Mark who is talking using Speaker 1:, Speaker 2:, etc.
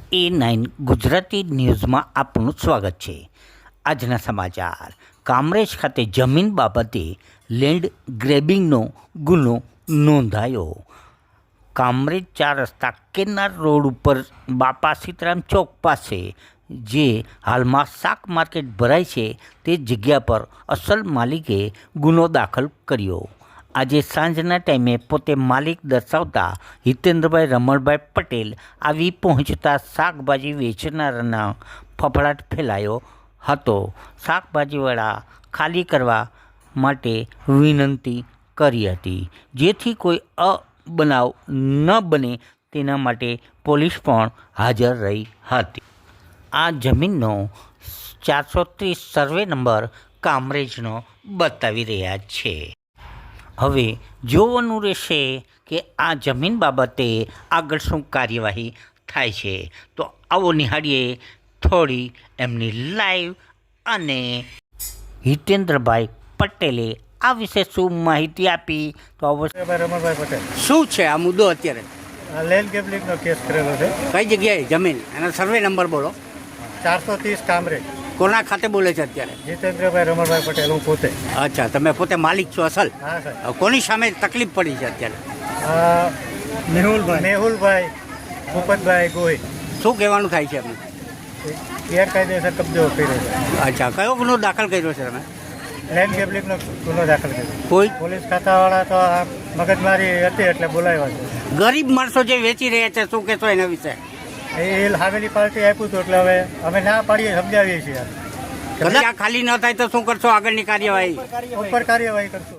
Speaker 1: A9 Gujarati ન્યૂઝમાં આપનું સ્વાગત છે। આજના સમાચાર। કામરેજ ખાતે જમીન બાબતે લેન્ડ ગ્રેબિંગનો ગુનો નોંધાયો। કામરેજ 4 રસ્તા કેનાર રોડ ઉપર બાપા સીતારામ ચોક પાસે જે હાલમાં શાક માર્કેટ ભરાય છે તે જગ્યા પર અસલ માલિકે ગુનો દાખલ કર્યો। આજે સાંજના ટાઈમે પોતે માલિક દર્શાવતા હિતેન્દ્રભાઈ રમણભાઈ પટેલ આવી પહોંચતા શાકભાજી વેચનારાના ફફડાટ ફેલાયો હતો। શાકભાજીવાળા ખાલી કરવા માટે વિનંતી કરી હતી, જેથી કોઈ અબનાવ ન બને તેના માટે પોલીસ પણ હાજર રહી હતી। આ જમીનનો 430 સર્વે નંબર કામરેજનો બતાવી રહ્યા છે। હવે જોવાનું રહેશે કે આ જમીન બાબતે આગળ શું કાર્યવાહી થાય છે। તો આવો નિહાળીએ થોડી એમની લાઈવ અને હિતેન્દ્રભાઈ પટેલે આ વિશે શું માહિતી આપી। તો
Speaker 2: રમણભાઈ પટેલ
Speaker 3: શું છે આ મુદ્દો અત્યારે?
Speaker 2: લેન્ડ ગેબલિંગનો કેસ કરેલો છે।
Speaker 3: કઈ જગ્યાએ જમીન એનો સર્વે નંબર બોલો।
Speaker 2: 430 કામરેજ।
Speaker 3: કોના ખાતે બોલે છે અત્યારે?
Speaker 2: જીતેન્દ્રભાઈ રમણભાઈ પટેલ, હું પોતે।
Speaker 3: અચ્છા, તમે પોતે માલિક છો અસલ?
Speaker 2: હા સાહેબ।
Speaker 3: હવે કોની સામે તકલીફ પડી છે અત્યારે?
Speaker 2: મેહુલભાઈ ભૂપતભાઈ ગોહિલ।
Speaker 3: શું કહેવાનું થાય છે એમને?
Speaker 2: ગેરકાયદેસર કબજો કર્યો છે।
Speaker 3: અચ્છા, કયો ગુનો દાખલ કર્યો છે તમે?
Speaker 2: લેન્ડ ગેબલિંગનો ગુનો દાખલ કર્યો।
Speaker 3: કોઈ
Speaker 2: પોલીસ ખાતાવાળા તો આ મગજમારી હતી એટલે બોલાવ્યા છે।
Speaker 3: ગરીબ માણસો જે વેચી રહ્યા છે શું કહેશો એના વિશે?
Speaker 2: એ હાવેલી પાર્ટી આપ્યું હતું એટલે હવે અમે ના પાડીએ, સમજાવીએ છીએ।
Speaker 3: કદાચ આ ખાલી ન થાય તો શું કરશો આગળની કાર્યવાહી?
Speaker 2: ઉપર કાર્યવાહી કરશું।